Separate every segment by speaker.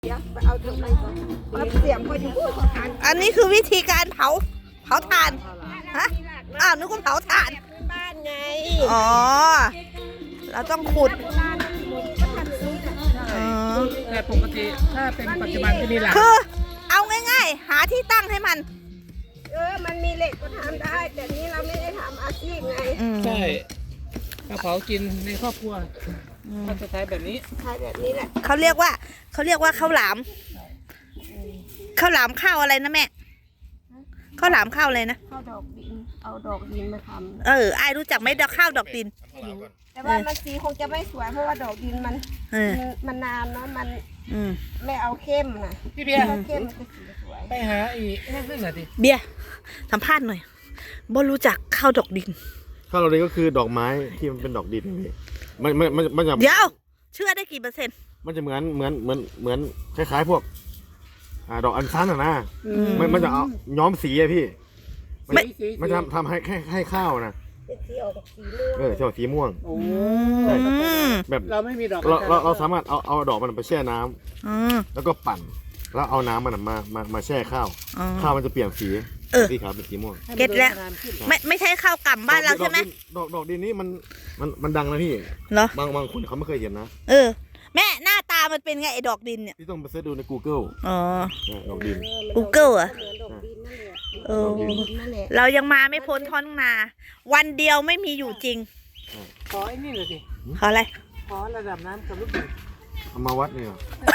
Speaker 1: เอาเถอะไปก่อนเอาเสียงพอดีพูดขอทาน
Speaker 2: อันนี้คือวิธีการเผาถ่านฮะอ้าวนึกว่าเผาถ่าน
Speaker 1: บ้านไง
Speaker 2: อ๋อเราต้องขุด
Speaker 1: โบราณมันหมดก็ทำอย่างนี้แหละ
Speaker 2: อ๋อ
Speaker 3: แต่ปกติถ้าเป็นปัจจุบันจะมีหลาน
Speaker 2: คือเอาง่ายๆ หาที่ตั้งให้มัน
Speaker 1: มันมีเหล็กก็ทำได้ แต่นี้เราไม่ได้ทำอาชีพไง
Speaker 3: ใช่กระเผากินในครอบครัวก็จะใช้แบบนี้
Speaker 1: ใช้แบบนี้แหละ
Speaker 2: เขาเรียกว่าข้าวหลามข้าวหลามข้าวอะไรนะแม่ข้าวหลามข้าวอะไรนะ
Speaker 1: เข้าดอกดิน เอาดอกดินมาท
Speaker 2: ไอ้รู้จักไหมดอกข้าวดอกดิน
Speaker 1: ำแต่ว่ามันสีคงจะไม่สวยเพราะว่าดอกดินมัน
Speaker 2: เออ
Speaker 1: มันนานเนาะมัน
Speaker 2: อืม
Speaker 1: ไม่เอาเข้มนะ
Speaker 3: พี่เบียร์
Speaker 1: ถ้าเข้มมันจะสีสวย
Speaker 3: ไปหาอีกนั่นหน่อยดิ
Speaker 2: เบียร์สัมภาษณ์หน่อยบ่รู้จักข้าวดอกดิน
Speaker 4: ข้าวดอกดินก็คือดอกไม้ที่มันเป็นดอกดินพี่มันจะ
Speaker 2: เดี๋ยวเชื่อได้กี่เปอร์เซ็นต์
Speaker 4: มันจะเหมือนคล้ายๆพวกดอกอัญชันอะนะมันจะเอาย้อมสีอะพี่มันจะทำให้ข้าวนะ
Speaker 1: จะสีออกสีม่วง
Speaker 4: จะออกสีม่วง
Speaker 3: โอ้
Speaker 4: ใช่ แบบ
Speaker 3: เราไม่มีดอก
Speaker 4: เราสามารถเอาดอกมันไปแช่น้ำแล้วก็ปั่นแล้วเอาน้ำมันมาแช่ข้าวข้าวมันจะเปลี่ยนสีสีขาวเป็นสีม่วง
Speaker 2: เก็ตแล้วไม่ใช่ข้าวกล่ำบ้านเราใช่ไหม
Speaker 4: ดอกดินนี้มันดังนะพี่
Speaker 2: เหรอบ
Speaker 4: างคนเขาไม่เคยเห็นนะ
Speaker 2: แม่หน้าตามันเป็นไงไอ้ดอกดินเนี่ย
Speaker 4: พี่ต้องไปเสิร์ชดูใน Google
Speaker 2: อ๋อ
Speaker 4: ดอกดิน
Speaker 2: Google อ่ะ
Speaker 1: เหมือนดอกดินนั่นแหละ
Speaker 2: เออ
Speaker 1: ดอกดินนั่นแหละ
Speaker 2: เรายังมาไม่พ้นท้องนา วันเดียวไม่มีอยู่จริง
Speaker 3: ขอไอ้นี่เลยสิ
Speaker 2: ขออะไร
Speaker 3: ขอระดับน้ำกับลูกดิน
Speaker 4: เอามาวัดเนี่ย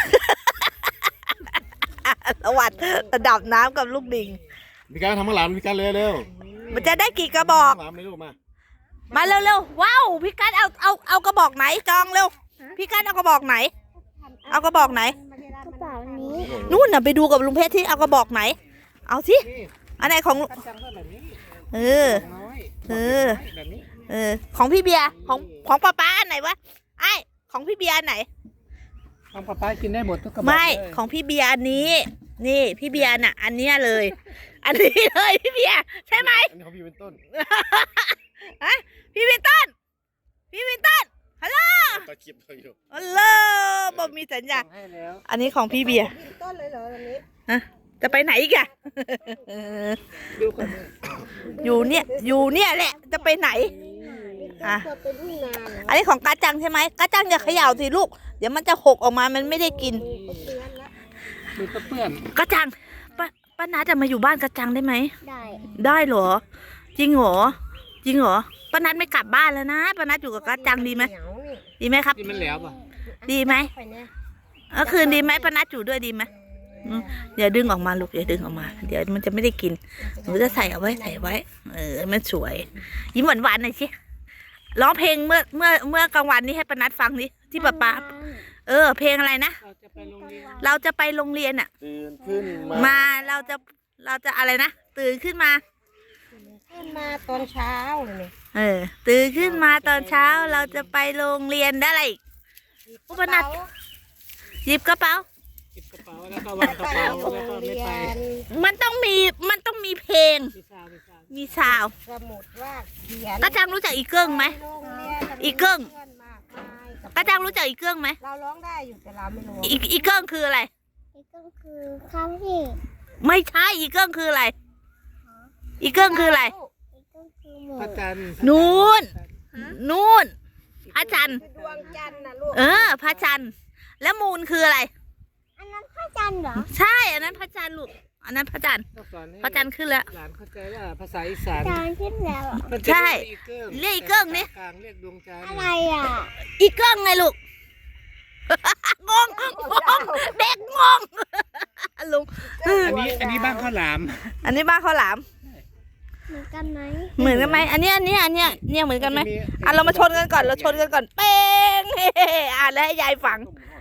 Speaker 2: สวัสดระดับน้ำกับลูกดิง
Speaker 4: มีการทำข้าวหลามมีการเร็ว
Speaker 2: มันจะได้กี่กระบอก
Speaker 4: ข้าวหลามเลยลูกมา
Speaker 2: มาเร็วๆว้าวพี่กัดเอากระบอกไหนจองเร็วพี่กัดเอากระบอกไหน เอากระบอกไหน
Speaker 1: กระเป๋านี้
Speaker 2: นู่นน่ะไปดูกับลุงเพชรที่เอากระบอกไหน เอาสิ
Speaker 3: นี่
Speaker 2: อันไหนของ
Speaker 3: กระจังก็แบบนี้
Speaker 2: เออ
Speaker 3: น้อย
Speaker 2: เออ
Speaker 3: แบบนี้
Speaker 2: ของพี่เบียร์ของป้าอันไหนวะไอ้ของพี่เบียร์อันไหน
Speaker 3: ของป้าป้ากินได้หมดทุกกระบอก
Speaker 2: ไม่
Speaker 3: เลย
Speaker 2: ของพี่เบียร์อันนี้ นี่พี่เบียร์น่ะ อันเนี้ยเลย อันนี้เลยพี่เบียร์ใช่ไหม
Speaker 4: อันนี้ของพี่เป็นต้น
Speaker 2: ฮะพี่วินตันฮัลโหล
Speaker 4: ตะเกียบอยู่
Speaker 2: ฮัลโหลบอกมีสัญญาณ
Speaker 3: สั่งให้แล้ว
Speaker 2: อันนี้ของพี่เบียร์
Speaker 1: ยืนต้นเลยเหรอวันนี้
Speaker 2: จะไปไหนอีกอะ
Speaker 3: ดูก่อนเลย
Speaker 2: อยู่เนี่ยแหละ จะไปไหน อ่ะ
Speaker 1: ต้นเป็นทุ่งนาเหรอ
Speaker 2: อันนี้ของกาจังใช่ไหมกาจังอย่าเขย่าสิลูก เดี๋ยวมันจะหกออกมา มันไม่ได้กิน
Speaker 1: เตือนละ
Speaker 3: มือเปื้อน
Speaker 2: กาจังป้านาจะมาอยู่บ้านกาจังได้ไหม
Speaker 1: ได้
Speaker 2: ได้เหรอ จริงเหรอป้านัดไม่กลับบ้านแล้วนะป้านัดอยู่กับกาจังดีไหม
Speaker 1: เหนียวนี่
Speaker 2: ดีไหมครับ
Speaker 3: นี่มันแล้วป่ะ
Speaker 2: ดีไหม
Speaker 1: ไปเนี่ย
Speaker 2: คืนดีไหมป้านัดอยู่ด้วยดีไหมอย่าดึงออกมาลูกอย่าดึงออกมา เดี๋ยวมันจะไม่ได้กินหนูจะใส่เอาไว้มันสวย ยิ้มหวานๆหน่อยสิร้องเพลงเมื่อกลางวันนี้ให้ป้านัดฟังดิที่ป้าเพลงอะไรนะ
Speaker 3: เราจะไปโรงเรียน
Speaker 2: เราจะไปโรงเรียนอ่ะ
Speaker 4: ตื่นขึ้นมา
Speaker 2: มาเราจะอะไรนะตื่นขึ้นมา
Speaker 1: ขึ้นมาตอนเช้าเลย
Speaker 2: ตื่นขึ้นมาตอนเช้าเราจะไปโรงเรียนได้อะไรอีก อุปนัด หยิบกระเป๋า
Speaker 3: เก็บกระเป๋าแล้วก็วางกระเป๋าแล้วก็ไม่ไป
Speaker 2: มันต้องมีเพลง มีซาวด์
Speaker 1: สมุดว่าเขียน
Speaker 2: กระจังรู้จักอีเกิ้งไหม
Speaker 1: โรงเรียน
Speaker 2: อีเกิ้ง
Speaker 1: เพื่อนมากมายกับ
Speaker 2: กระจังรู้จักอีเกิ้งไหม
Speaker 1: เราร้องได้อยู่แต่เราไม่รู้
Speaker 2: อีเกิ้งคืออะไร
Speaker 1: ก็คือข้าวที่
Speaker 2: ไม่ใช่อีเกิ้งคืออะไร อีเกิ้งคืออะไร
Speaker 1: ก็คือหมู
Speaker 3: พระจันทร์
Speaker 2: นู่นพระจันทร์
Speaker 1: คือดวงจันทร์นะลูก
Speaker 2: พระจันทร์แล้วมูลคืออะไร
Speaker 1: อันนั้นพระจันทร์เหรอ
Speaker 2: ใช่อันนั้นพระจันทร์ลูกอันนั้นพระจันทร์
Speaker 3: ต้องสอนให้
Speaker 2: พระจันทร์ขึ้นแล้ว
Speaker 3: หลานเข้าใจว่าภาษาอีสาน
Speaker 1: จานขึ้นแล้ว
Speaker 3: มันจะ
Speaker 2: ใช่
Speaker 3: เรียกอีเกิ้ง
Speaker 2: เรียกอีเกิ้งนี่
Speaker 3: กลางเรียกดวงจันทร์
Speaker 1: อะไรอ่ะ
Speaker 2: อีเกิ้งไงลูก งงเด็กงงลุง
Speaker 3: อันนี้บ้านข้าวหลาม
Speaker 2: อันนี้บ้านข้าวหลาม
Speaker 1: เหมือนกันไหม
Speaker 2: เหมือนกันไหมอันเนี้ยเหมือนกันไหมเรามาชนกันก่อนเป้งแล้วให้ยายฝัง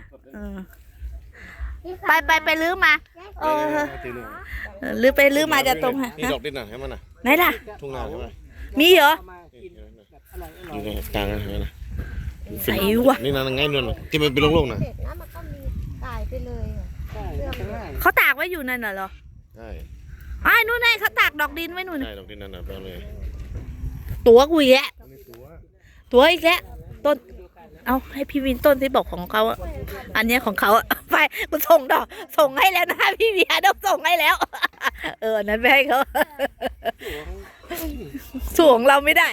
Speaker 2: ไปลื้อมาลื้อไปลื้อมาจะตรงฮะ
Speaker 4: นี่ดอกดินน่ะให้มันน่ะ
Speaker 2: ไหนล่ะ
Speaker 4: ทุ่งนาใช่ไหม
Speaker 2: มีเหรอ
Speaker 3: เอามากินแบบอร่อย
Speaker 4: อยู่ในกลางนะเห็นไหมนะ
Speaker 2: ใส่วะ
Speaker 4: นี่นะง่ายนวลนะที่มันเป็นโล่งๆนะ
Speaker 1: เสร็จนะมันก็มีตายไปเลยอ่ะ
Speaker 3: ใช่ข้างล่าง
Speaker 2: เขาตากไว้อยู่นั่นเหรอ
Speaker 4: ใช่
Speaker 2: นู่นไงเขาตากดอกดินไว้นู่น
Speaker 4: ใช่ดอกดินนั่นน่ะไปเอาเลย
Speaker 2: ตัวกูอีกแล้ว
Speaker 4: อันนี้ตัว
Speaker 2: ตัวอีกแล้วต้นเอาให้พี่วินต้นที่บอกของเขาอะอันเนี้ยของเขาอะไปกูส่งดอกส่งให้แล้วนะพี่เบียร์ต้องส่งให้แล้ว นั้นไปให้เขาส่งเราไม่ได้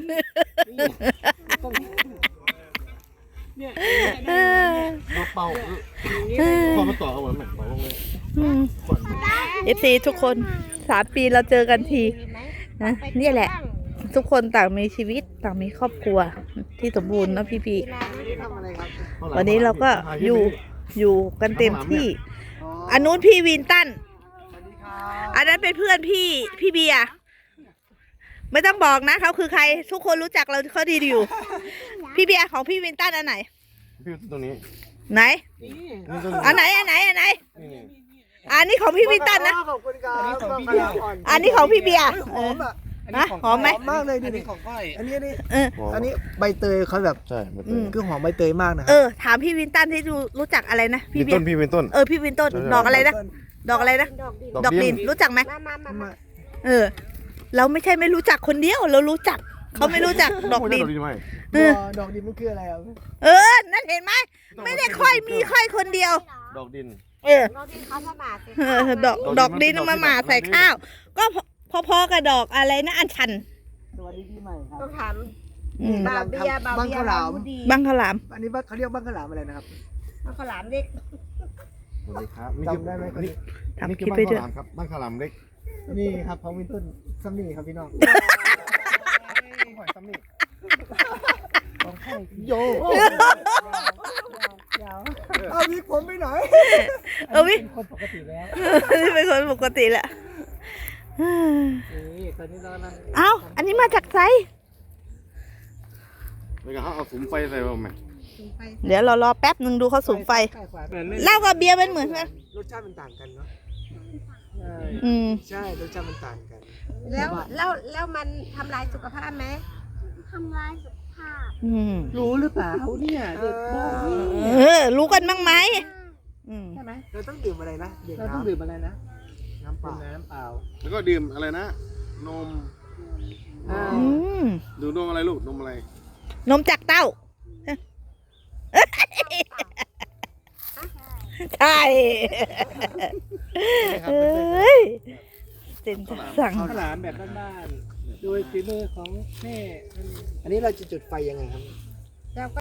Speaker 3: เนี่ย
Speaker 4: เราเป่าพอมาต่อเอาเหมือนเป่าลงเลย
Speaker 2: FC ทุกคน3 ปีเราเจอกันทีนะเนี่ยแหละ ทุกคนต่างมีชีวิตต่างมีครอบครัวที่สมบูรณ์นะพี่
Speaker 3: ทำอะไรครับ
Speaker 2: วันนี้เราก็อยู่กันเต็มที่อันนู้นพี่วินตันอันนั้นเป็นเพื่อนพี่เบียร์ไม่ต้องบอกนะเขาคือใครทุกคนรู้จักเราเขาดีอยู่พี่เบียร์ของพี่วินตันอันไหน
Speaker 4: พี่ตรงนี้
Speaker 2: ไหน
Speaker 3: นี่
Speaker 4: นี่ตรง
Speaker 2: อันไหนอันนี้ของพี่วินตันนะ
Speaker 5: ขอบคุณครับ
Speaker 2: อันนี้ของพี่เบียร์
Speaker 5: หอมอ่ะ
Speaker 2: นะหอมไหม
Speaker 5: หอมมากเลย
Speaker 3: อั
Speaker 5: ดิ
Speaker 3: นนี้ของก้อย
Speaker 5: อันนี้
Speaker 2: เออ
Speaker 5: อันนี้ใบเตยเขาแบบ
Speaker 4: ใช่มัน
Speaker 5: คือหอมใบเตยมากนะค
Speaker 2: เอ
Speaker 5: รับ
Speaker 2: อถามพี่วินตันที่รู้จักอะไรนะพี่
Speaker 4: พี่
Speaker 2: เบีย
Speaker 4: ต้น
Speaker 2: ร์
Speaker 4: พี่เป็นต้น
Speaker 2: พี่วินต้นดอกอะไรนะดอกอะไรนะ
Speaker 1: ดอกดิน
Speaker 2: ดอกดินรู้จักไหม
Speaker 1: มา
Speaker 2: เราไม่ใช่ไม่รู้จักคนเดียวเรารู้จักเขาไม่รู้จักดอกดิน
Speaker 4: ดอกดินไหม
Speaker 5: ดอกดินมันคืออะไรอ่ะ
Speaker 2: นั่นเห็นไหมไม่ได้ค่อยมีค่อยคนเดียว
Speaker 4: ดอกดิน
Speaker 1: ดอกดินเขาสมาสิ
Speaker 2: ดอกดินเอามาหมาใส่ข้าว ก็พอๆกับดอกอะไรนะอัญชัน
Speaker 5: สวัสดีปีใหม่ครับ
Speaker 1: ต้องถาม
Speaker 2: อืม
Speaker 1: บาเบียบาเบียบาบูดี
Speaker 2: บังขาวหลาม
Speaker 5: อันนี้เขาเรียกบ้างขลามอะไรนะครับ
Speaker 1: เอาข้าวหลามเล็ก
Speaker 4: สวัสดีครับ
Speaker 5: จำได้ไหมคนนี้
Speaker 2: ทำคลิปไปด้วย
Speaker 4: บ้านข้าวหลามครับบ้านข้าวหลามเล็ก
Speaker 5: นี่ครับของวินต้นซัมนี่ครับพี่น้อง
Speaker 4: หอยซ้ำนี่
Speaker 5: ของไข่
Speaker 4: โย
Speaker 5: เอาวิกผมไปหน่อย
Speaker 2: วิ
Speaker 5: คนปกติแล้ว
Speaker 2: นี่เป็นคนปกติแหละ
Speaker 3: นี่ตอนนี้เรากำลัง
Speaker 2: เอ้าอันนี้มาจากไซ
Speaker 4: แล้วก็เอาสุมไฟใส่มาไหม
Speaker 2: เดี๋ยวเรารอแป๊บหนึ่งดูเขาสูงไฟ
Speaker 5: ใกล้กว่า
Speaker 3: เหมือนไม่
Speaker 2: เหล้ากับเบียร์เป็นเหมือนกัน
Speaker 5: รสชาติมันต่างกันเนาะ
Speaker 3: ใช่
Speaker 2: อืม
Speaker 5: ใช่รสชาติมันต่างกัน
Speaker 1: แล้วมันทำลายสุขภาพไหม
Speaker 2: อืม
Speaker 3: รู้หรือเปล่าเนี่ยเด็กบอกนี่
Speaker 2: รู้กันบ้างไหมอืม
Speaker 3: ใช่ไหม
Speaker 5: เราต้องดื่มอะไรนะดื่ม
Speaker 3: เราต้องดื่มอะไรนะ
Speaker 5: น้ำเป
Speaker 3: ดื่
Speaker 5: ล่าม
Speaker 3: น้ำเปล่า
Speaker 4: แล้วก็ดื่มอะไรนะ นม
Speaker 3: อ่า
Speaker 2: อืม
Speaker 4: ดื่มนมอะไรลูกนมอะไร
Speaker 2: นมจากเต้าใช่เอ้ยเจนสั่ง
Speaker 3: ข้าวหลามแบบบ้านๆโดยฝีมือของแม่
Speaker 5: อันนี้เราจะจุดไฟยังไงครับ
Speaker 1: เราก็